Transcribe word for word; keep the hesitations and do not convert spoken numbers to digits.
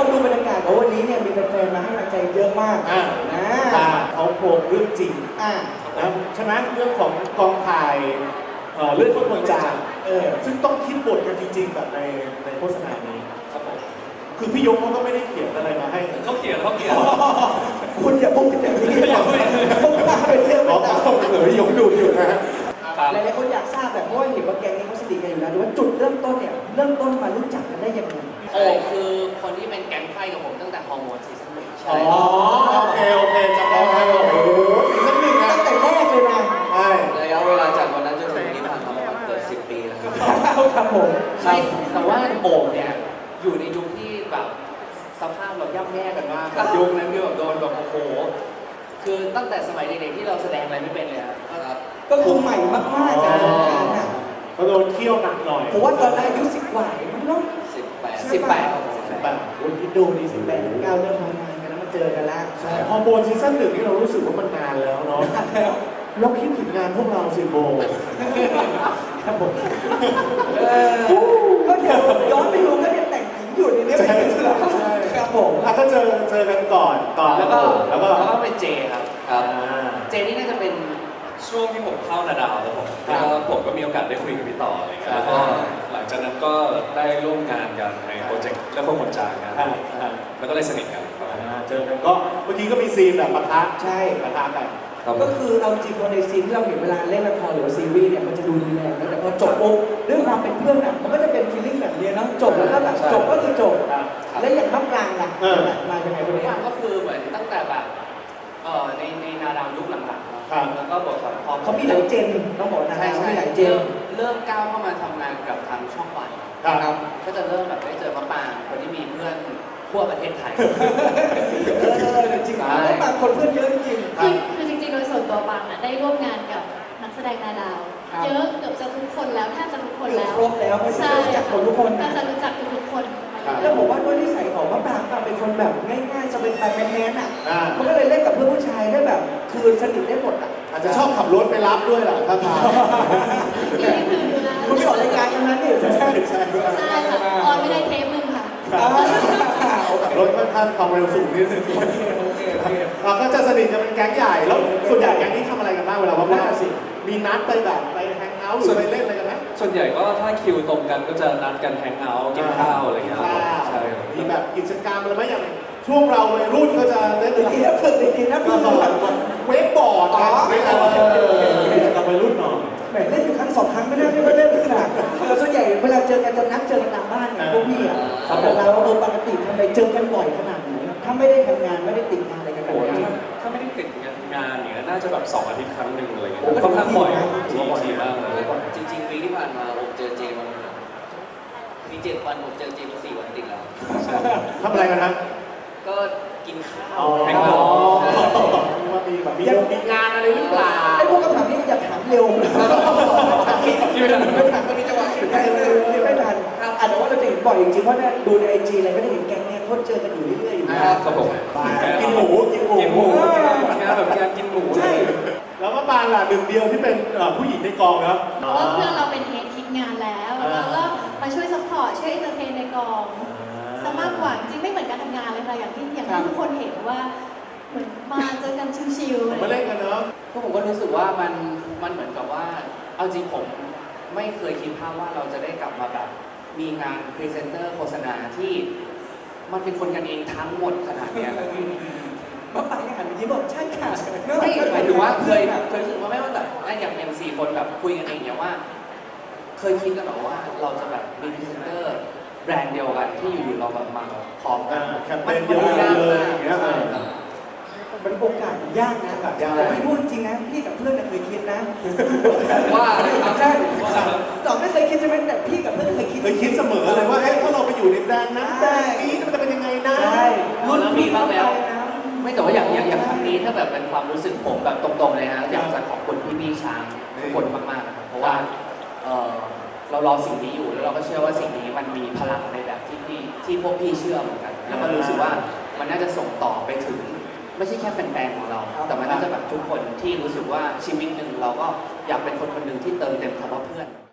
ดูบรรยากาศของวันนี้เนี่ยมีแฟนๆมาให้กำลังใจเยอะมากอ่านะเขาโครงเรื่องจริงอ่านะใช่ไหมเรื่องของกองถ่ายเอ่อเรื่องคนจางเออซึ่งต้องคิดบทกันจริง ๆ แบบในในโฆษณานี้ครับผมคือพี่ยงเขาก็ไม่ได้เขียนอะไรมาให้เขาเขียนเขาเขียนคุณอย่าพูดอย่างนี้ผมว่าเป็นเรื่องอ๋ไม่อต่างเผื่อพี่ยงดูอยู่นะฮะหลายๆคนอยากทราบแบบเพราะว่าเห็นว่าแก๊งนี้เขาสนิทกันอยู่แล้วแต่ว่าจุดเริ่มต้นเนี่ยเริ่มต้นมารู้จักกันได้ยังไงโอ้คือคนที่เป็นแก๊งไพ่กับผมตั้งแต่ฮอร์โมนซีซั่นหนึ่งอ๋ใช่อโอเคโอเคจำได้แล้วโอ้โหสีสันหนึ่งนะตั้งแต่แรกเลยนะใช่ระยะเวลาจากวันนั้นจนถึงวันนี้ผ่านมาประมาณเกือบสิบปีแล้วครับครับผมใช่แต่ว่าโอ่งเนี่ยอยู่ในยุคที่แบบสภาพเราย่ำแย่กันมากแบบยุคนั้นคือแบบโดนแบบโอ้โหคือตั้งแต่สมัยเด็กๆที่เราแสดงอะไรไม่เป็นเลยครับก็คือใหม่มากๆจากวงการอ่ะเขาโดนเคี่ยวหนักหน่อยผมว่าตอนนั้นอายุสิบกว่าเองมั้งเนาะสิบแปดสิบแปดครับผมสิบแปดคุณคิดดูดิสิบแปดเก้าเริ่มทำงานกันแล้วมาเจอกันแล้วใช่ฮอร์โมนซีซั่นหนึ่งนี่เรารู้สึกว่ามันนานแล้วเนาะเราคิดถึงงานพวกเราสิโบครับผมเออก็เดี๋ยวย้อนไปดูก็ยังแต่งหญิงอยู่ในนี้ไม่ถึงหรอกครับผมอ่ะก็เจอเจอกันก่อนก่อนแล้วก็แล้วก็แล้วก็เป็นเจครับอ่าเจนี่น่าจะเป็นช่วงที่ผมเข้านาดาวแล้วผมแล้วก็ผมก็มีโอกาสได้คุยกับพี่ต่ออะไรเงี้ยแล้วก็หลังจากนั้นก็ได้ร่วมงานกันในโปรเจกต์และพวกคนจางงานอ่าอ่าแล้วก็เลยสนิทกันครับอ่าเจอกันก็เมื่อกี้ก็มีซีนแบบปะทะใช่ปะทะกันครับก็คือเอาจริงพอในซีนที่เราเห็นเวลาเล่นละครหรือว่าซีรีส์เนี่ยมันจะดูรุนแรงนะแต่พอจบปุ๊บด้วยความเป็นเพื่อนอ่ะมันก็จะเป็นฟีลลิ่งแบบนี้เนาะจบแล้วก็แบบจบก็คือจบครับแล้วอย่างมะปรางล่ะเออมาเป็นไงคนทุกนี้อย่างก็คือเหมือนตั้งแต่แบบเอ่อในในนาดาวยุคหลังๆครับแล้วก็บทพอเขามีหลายเจนต้องบอกนะใช่เขาใช่มีหลายเจเริ่นมเริ่มก้าวเข้ามาทำงานกับทางช่องวันครับก็จะเริ่มแบบได้เจอมะปรางคนที่มีเพื่อนทั่วประเทศไทยเออจริงๆมะปรางคนเพื่อนเยอะจริงคือคือจริงๆ โดยส่วนตัวปังอ่ะได้ร่วมงานกับนักแสดงนาดาวครับเยอะเกือบจะทุกคนแล้วแทบจะทุกคนเกือบแล้วครบแล้วไม่ใช่ใช่รู้จักคนทุกคนก็นะจะรู้จักทุกๆคนมาเยแล้วอะผมว่าด้วยนิสัยของมะปรางอะเป็นคนแบบง่ายๆสบายๆแมนๆอ่ะอ่ามันก็เลยเล่นกับเพื่อนผู้ชายได้แบบคือสนิทได้หมดอ่ะอาจจะชอบขับรถไปรับด้วยแหละถ้าทางนี่คือนะคุณสอนรายการกันนั้นนี่ใช่ใช่ใช่ใช่ค่ะออนไม่ได้เทปหนึงค่ะขับรถค่อนข้างความเร็วสูงนิดนึงเราก็จะสนิทจะเป็นแก๊งใหญ่แล้วส่วนใหญ่แก๊งนี้ทำอะไรกันบ้างเวลาว่างๆสิมีนัดไปแบบไปแฮงเอาท์หรือไปเล่นอะไรกันไหมส่วนใหญ่ก็ถ้าคิวตรงกันก็จะนัดกันแฮงเอาท์กินข้าวอะไรเงี้ยครับใช่ครับมีแบบกิจกรรมอะไรไหมอย่างช่วงเราวัยรุ่นก็จะเล่นดีนะฝึกดีๆนะก็ฝึกเวกบอร์ดนะเวกบอร์ดกิจกรรมวัยรุ่นเนาะแหมเล่นอยู่ครั้งสองครั้งไม่ได้ไม่ได้เล่นขนาดส่วนใหญ่เวลาเจอกันจะนัดเจอกันตามบ้านไงพวกพี่อ่ะแต่เราเออปกติทำไมเจอกันบ่อยขนาดไหนถ้าไม่ได้ทำงานไม่ได้ติดงานอะไรกันแบโอ้บโหนี้ถ้าไม่ได้ติดงานอย่างเงี้ยน่าจะแบบสองอาทิตย์ครั้งหนึ่งอะไรเงี้ยค่อนข้างบ่อยทีทีมากเลยจริงๆวีคที่ผ่านมาผมเจอเจมามีเจ็ดวันผมเจอเจมาสี่วันติดแล้วทำอะไรกันนะก็กินข้าวอ๋อแฮงเอาท์ว่ามีแบบมีมีงานอะไรหรือเปล่าไอ้พวกคำถามนี้อย่าถามเร็วที่ไม่ทันไม่ถามตอนนี้จังหวะคิดไม่ทันคิดไม่ทันอ่ะแต่ว่าเราจะเห็นบ่อยจริงๆเพราะเนี่ยดูในไอจีอะไรก็จะเห็นแก๊งเนี่ยเขาเจอกันอยู่เรื่อยๆอยู่นะครับผมกินหมูกินหมูกินหมูงานแบบงานกินหมูใช่แล้วก็ปานล่ะหนึ่งเดียวที่เป็นเอ่อผู้หญิงในกองครับเพราะว่าเพื่อนเราเป็นเฮดคิดงานแล้วแล้วก็มาช่วยซัพพอร์ตช่วยเอนเตอร์เทนในกองซะมากกว่าจริงๆไม่เหมือนการทำงานเลยค่ะอย่างที่อย่างที่ทุกคนเห็นว่าเหมือนมาเจอกันชิวๆอะไรอย่างมาเงี้ยเล่นกันเนาะก็ผมก็รู้สึกว่ามันมันเหมือนกับว่าเอาจริงผมไม่เคยคิดภาพว่าเราจะได้กลับมาแบบมีงานพรีเซนเตอร์โฆษณาที่มันเป็นคนกันเองทั้งหมดขนาดเนี้ยมาไปหันไปยิ้มบอกใช่ค่ะไม่หมายถึงว่าเคยเคยรู้สึกว่าไม่ว่าแบบอย่างอย่างสี่คนแบบคุยกันเองเนี่ยว่า เคยคิดกันหรอว่าเราจะแบบมีพรีเซนเตอร์แบรนด์เดียวกันที่อยู่ๆเราแบบมาพร้อมกันแคมเปญเดียวกันเลยอย่างเงี้ยใช่ครับมันโอกาสยากนะแต่พี่พูดจริงนะพี่กับเพื่อนเคยคิดนะว่าอะไรครับใช่ต่อไม่เคยคิดใช่ไหมแต่พี่กับเพื่อนเคยคิดเคยคิดเสมอเลยว่าเอ๊ะถ้าเราไปอยู่ในแบรนด์นั้นแบรนด์นี้มันจะเป็นยังไงนะใช่รุ่นพี่บ้างแล้ว ไม่แต่ว่าอย่างอย่างอย่างครั้งนี้ถ้าแบบเป็นความรู้สึกผมแบบตรงๆเลยฮะอยากจะขอบคุณพี่พี่ๆช้างทุกคนมากๆนะครับเพราะว่าเออเรารอสิ่งนี้อยู่แล้วเราก็เชื่อว่าสิ่งนี้มันมีพลังในแบบที่พี่ที่พวกพี่เชื่อเหมือนกัน แล้วก็รู้สึกว่ามันน่าจะส่งต่อไปถึง ไม่ใช่แค่แฟนๆของเรา แต่มันน่าจะแบบทุกคนที่รู้สึกว่าชีวิตหนึ่งเราก็อยากเป็นคนคนหนึ่งที่เติมเต็มคำว่าเพื่อน